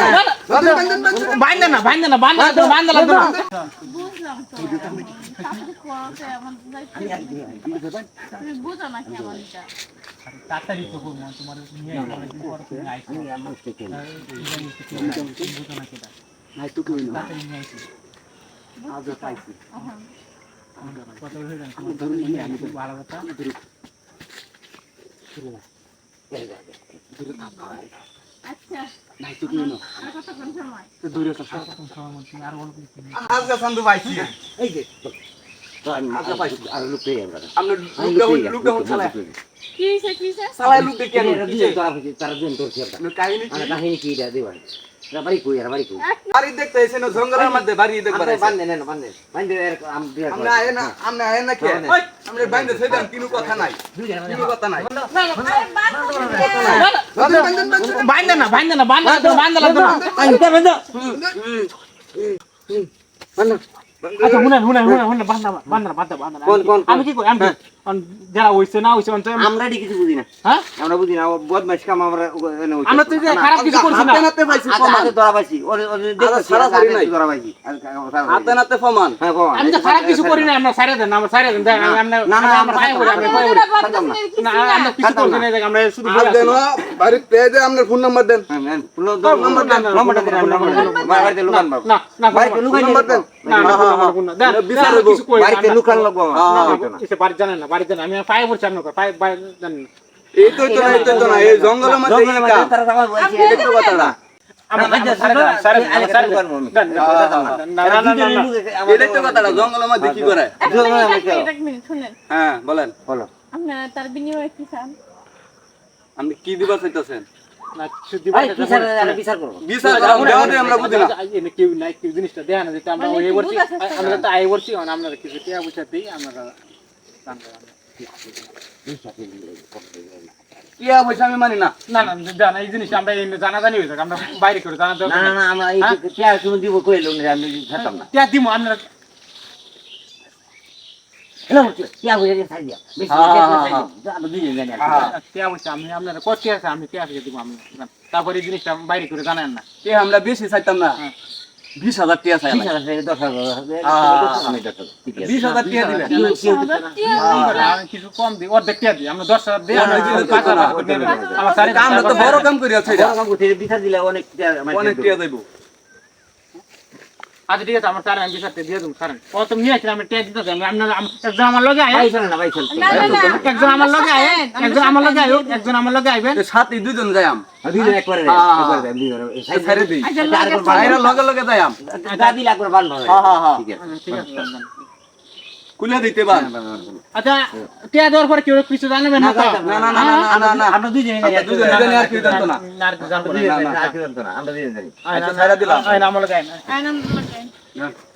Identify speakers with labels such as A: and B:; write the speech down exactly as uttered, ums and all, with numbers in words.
A: বাইন্দা না বাইন্দা না বান্দা তো বান্দা লাগবে না
B: বুঝলাম তো তাড়াতাড়ি কোয়াতে আমার তুমি বুঝো না কি আমার এটা
A: তাড়াতাড়ি তো করব তোমার নিয়ে অনেকদিন পর তুমি আইছো আমি আমার থেকে বুঝো না কেটা নাই তো কই না তাড়াতাড়ি নিয়ে আইছি আজ পাইছি কত হয়ে গেল তোমার ধরুন নিয়ে আমি তো ভালো কথা ধরু
B: আচ্ছা
A: নাই তো কই না
B: আর কত কোন সময়
A: তো দূরে তো কত কোন সময় মন তুমি আর বলো কি আজ কা সন্দু পাইছি এই যে আজ পাইছি আর লুক পেয়ে আমরা আমরা লুক লুক হচ্ছে না
B: কি হইছে কি হইছে
A: সালাই লুক কেন
C: দিয়ে তারা তারা দিন তোর কি
A: না কাহিনী কি
C: আর কাহিনী কি এটা দেবা বাড়ি কই আর বাড়ি কই
A: বাড়ি দেখতে এসে না জঙ্গলের মধ্যে বাড়ি দেখবার আছে
C: বান্ধে নেন বান্ধে বান্ধে আম দিয়া
A: আমরা আয় না আমরা আয় না কে ওই আমরা বাইন্দে ছেদাম কিনু কথা নাই কিনু কথা নাই বাইন্দা না বাইন্দা না বান্দা তো বান্দা লাগবে না
C: আইতা বান্ধা বান্ধা
A: আচ্ছা শুনেন শুনেন শুনেন শুনেন বান্দা বান্দা বান্দা বান্দা আমি কি কই আমি যারা হইছে না হইছে
C: আমরা ডি কিছু বুঝি না
A: হ্যাঁ
C: আমরা বুঝি না বদমাইশ কাম আমরা
A: আমরা তো খারাপ কিছু করছি না
C: হাতে পাইছি হাতে ধরা পাইছি ওরে ওরে দেখো সারা সারি নাই ধরা পাইছি
A: হাতে নাতে ফমান
C: হ্যাঁ ফমান
A: আমি তো খারাপ কিছু করি না আমরা সাইরে দেন আমরা সাইরে দেন আমরা
C: না না আমরা
A: পায়ে পড়ি আমরা পায়ে পড়ি না আমরা কিছু করছি না আমরা শুধু বলে
D: দেন বাড়ি পেয়ে দেন আপনার ফোন নাম্বার দেন
C: হ্যাঁ ফোন নাম্বার দেন নম্বরটা দেন নম্বর বাড়িতে লুকান বাবু
A: না না
C: বাড়িতে লুকান
D: নাম্বার দেন
A: না না না
D: বিচার
A: কিছু করি
C: বাড়িতে লুকান লাগবো
A: এসে বাড়ি জানেন না বাড়ি জানেন আমি পায়ে পড়ছি আপনার পায়ে পায়ে জানেন
D: এই তো তো না এই তো না এই জঙ্গলের মধ্যে এই কাম
C: তারা সবাই বলছে
D: এটা তো কথাটা
A: আমরা সাইরে সাইরে সাইরে দেন না না না না
D: এটা তো কথাটা জঙ্গলের মধ্যে কি করে
B: এক মিনিট শুনেন
D: হ্যাঁ বলেন
C: বলো
B: আপনারা তার বিনিময়ে কি চান
D: আপনি কি দিবা চাইতেছেন
A: না শুধু
C: এই বিচার আরে বিচার করব
D: বিচার করাম দেওয়া দে আমরা বুঝি না
A: এনে কেউ নাই কেউ জিনিসটা দেয়া না যেটা আমরা এই বলছি আমরা তো আই বলছি আমরা কিছু টিয়া বুঝাতেই আমরা
D: কি হইছে আমি মানি না
A: না না জানা এই জিনিস আমরা জানা জানি হইছে আমরা বাইরে করে জানা
C: না না না আমরা এই কি আর তুমি দিব কইলো না আমি খেতাম না
A: টিয়া দিমু আমরা
C: এলো কি আর হইছে ছাই দিয়া বেশি আমরা দুইজন জানি
A: টিয়া বুঝছি আমি আপনার কত টিয়া আছে আমি টিয়া দিব আমি তারপরে এই জিনিসটা বাইরে করে জানেন না
D: এ আমরা বেশি চাইতাম না বিশ হাজার টাকা চাই
C: বিশ হাজার টাকা দশ হাজার আমি দশ হাজার ঠিক আছে
D: বিশ হাজার টাকা দিবেন
A: আমি কিছু কম দিই অর্ধেক টিয়া দিই আমরা দশ হাজার দিই আমরা পাঁচ হাজার আমার সাড়ে
D: আমরা তো বড় কাম করি আছে
C: বড় কাম করতে বিচার দিলে অনেক
D: অনেক টাকা দেব
A: আচ্ছা ঠিক আছে আমার স্যার আমি বিচারতে দিয়ে দেবো স্যার ও তুমি নিয়ে আসলে আমি টিয়া দিতে চাই আপনার একজন আমার লগে আয়
C: ভাই চল না ভাই চল
A: একজন আমার লগে আয় একজন আমার লগে আয় একজন আমার লগে আইবেন
D: সাথে দুইজন যাইম
C: দুইজন একবারে একবারে দুইজন
D: ছেড়ে দেই
C: আরেকবার
D: বাইরে লগে লগে যাইম
C: দাদি লাগবে বান্ধব
D: হ্যাঁ হ্যাঁ হ্যাঁ
C: ঠিক আছে
A: ঠিক আছে
D: কুলে দিতে পার
A: আচ্ছা টিয়া দেওয়ার পরে কেউ কিছু জানবে না তো
D: না না না না না না
C: আমরা দুইজনে
D: আমরা দুইজনে জানি আর কি জানতো না
A: না আর জানবো
C: দুইজনে আর কি জানতো না আমরা দুইজনে জানি
D: আচ্ছা ছাইরা দিলাম
A: আয় না আমার লগে আয় না
B: আইনাম বলেন
D: না